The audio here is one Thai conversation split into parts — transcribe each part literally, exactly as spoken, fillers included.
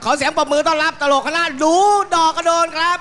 อเสียงปรบมือต้อนรับตลกคณะดูดอกกระโดนครับ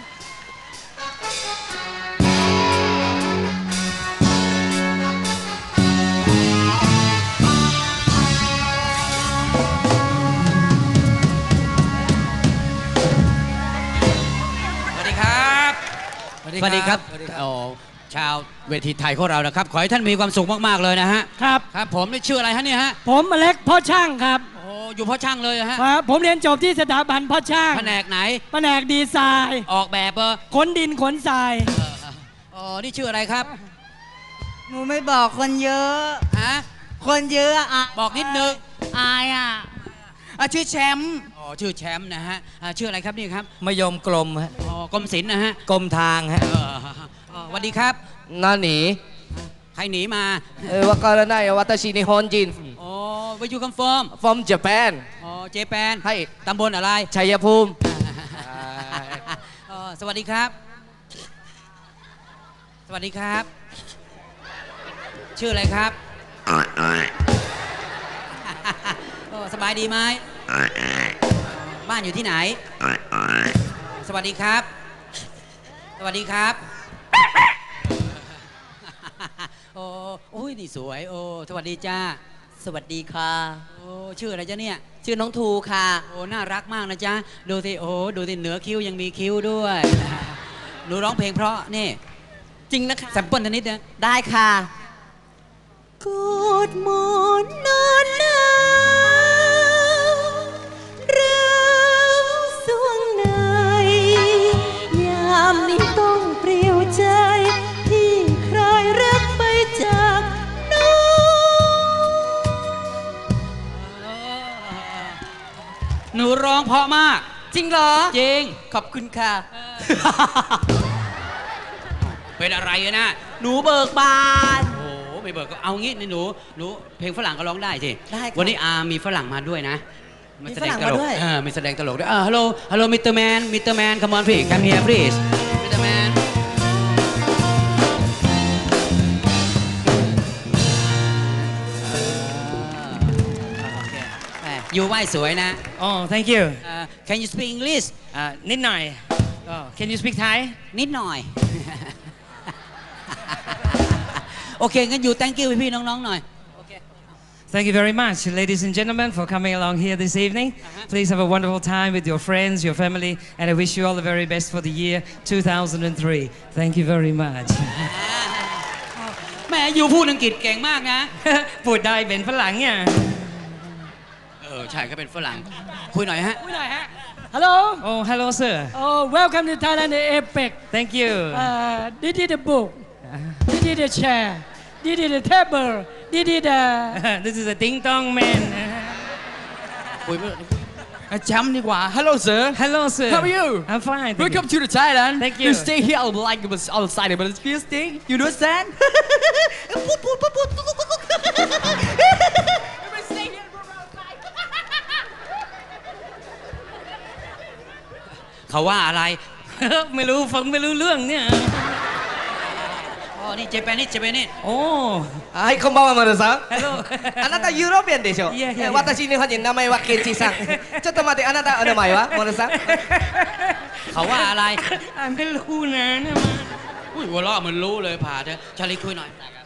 สวัสดีครับสวัสดีครับโอ้ชาวเวทีไทยของเรานะครับขอให้ท่านมีความสุขมากๆเลยนะฮะครับครับผมนี่ชื่ออะไรฮะเนี่ยฮะผมอเล็กพ่อช่างครับโอ้อยู่พ่อช่างเลยฮะครับผมเรียนจบที่สถาบันพ่อช่างแผนกไหนแผนกดีไซน์ออกแบบเออขนดินขนทรายอ๋อนี่ชื่ออะไรครับหนูไม่บอกคนเยอะฮะคนเยอะอ่ะบอกนิดนึงอายอ่ะอ่ะชื่อแชมป์อ๋อชื่อแชมป์นะฮะชื่ออะไรครับนี่ครับมยมกลมฮะอ๋อกรมศิลป์นะฮะกรมทางฮะสวัสดีครับน่าหนีใครหนีมาเออว่าการได้วัตชินิฮอนจินอ๋อ where you come from from Japan อ๋อเจแปนให้ตำบลอะไรชัยภูมิสวัสดีครับสวัสดีครับชื่ออะไรครับสบายดีไหมบ้านอยู่ที่ไหนสวัสดีครับสวัสดีครับโอ้โอ้ยนี่สวยโอ้สวัสดีจ้าสวัสดีค่ะโอ้ชื่ออะไรจ้าเนี่ยชื่อน้องทูค่ะโอ้น่ารักมากนะจ๊ะดูสิโอ้ดูสิเหนือคิ้วยังมีคิ้วด้วยหนูร้องเพลงเพราะนี่จริงนะคะแซมเปิลนิดนึงได้ค่ะกอดหมอนนอนหนาวเราสวงในยามนี้ต้องเปลี่ยวใจที่ใครรักไปจากน้องหนูร้องเพราะมากจริงเหรอจริงขอบคุณค่ะเป็นอะไรนะหนูเบิกบานโอ้ไม่เบิกก็เอางี้นี่หนูหนูเพลงฝรั่งก็ร้องได้สิได้วันนี้อามีฝรั่งมาด้วยนะมีฝรั่งมาด้วยเออมีแสดงตลกด้วยฮัลโหลฮัลโหลมิสเตอร์แมนมิสเตอร์แมน come on please come here please มิสเตอร์แมนอยู่ไหวสวยนะ Oh thank you Can you speak English นิดหน่อย Can you speak Thai นิดหน่อยโอเคงั้นอยู่ thank you พี่ๆน้องๆหน่อย Thank you very much, ladies and gentlemen, for coming along here this evening. Uh-huh. Please have a wonderful time with your friends, your family, and I wish you all the very best for the year two thousand three. Thank you very much. แม่อยู่พูดอังกฤษเก่งมากนะพูดได้เป็นฝรั่งเนี่ยเออใช่ก็เป็นฝรั่งคุยหน่อยฮะคุยหน่อยฮะ Hello. Oh, hello, sir. Oh, welcome to Thailand Epic. Thank you. Uh, this is the book. This is the chair. This is the table. This is the. This is a ding dong man. คุยแชมป์ดีกว่า Hello sir. Hello sir. How are you? I'm fine. Welcome to the Thailand. Thank you. You stay here like it was outside, but it's this thing. You understand? เขาว่าอะไรไม่รู้ฟังไม่รู้เรื่องเนี่ยอ๋อนี่เจแปนนี่เจแปนนี่โอ้はいこんばんはマルさんあなたユーロピアンでしょいやいや私日本人名前はケンチさんちょっと待ってあなたお名前はマルさんเขาว่าอะไรไม่รู้นะเนี่ยอุ้ยหัวเราะมันรู้เลยผ่าเถอะชาลีคุยหน่อย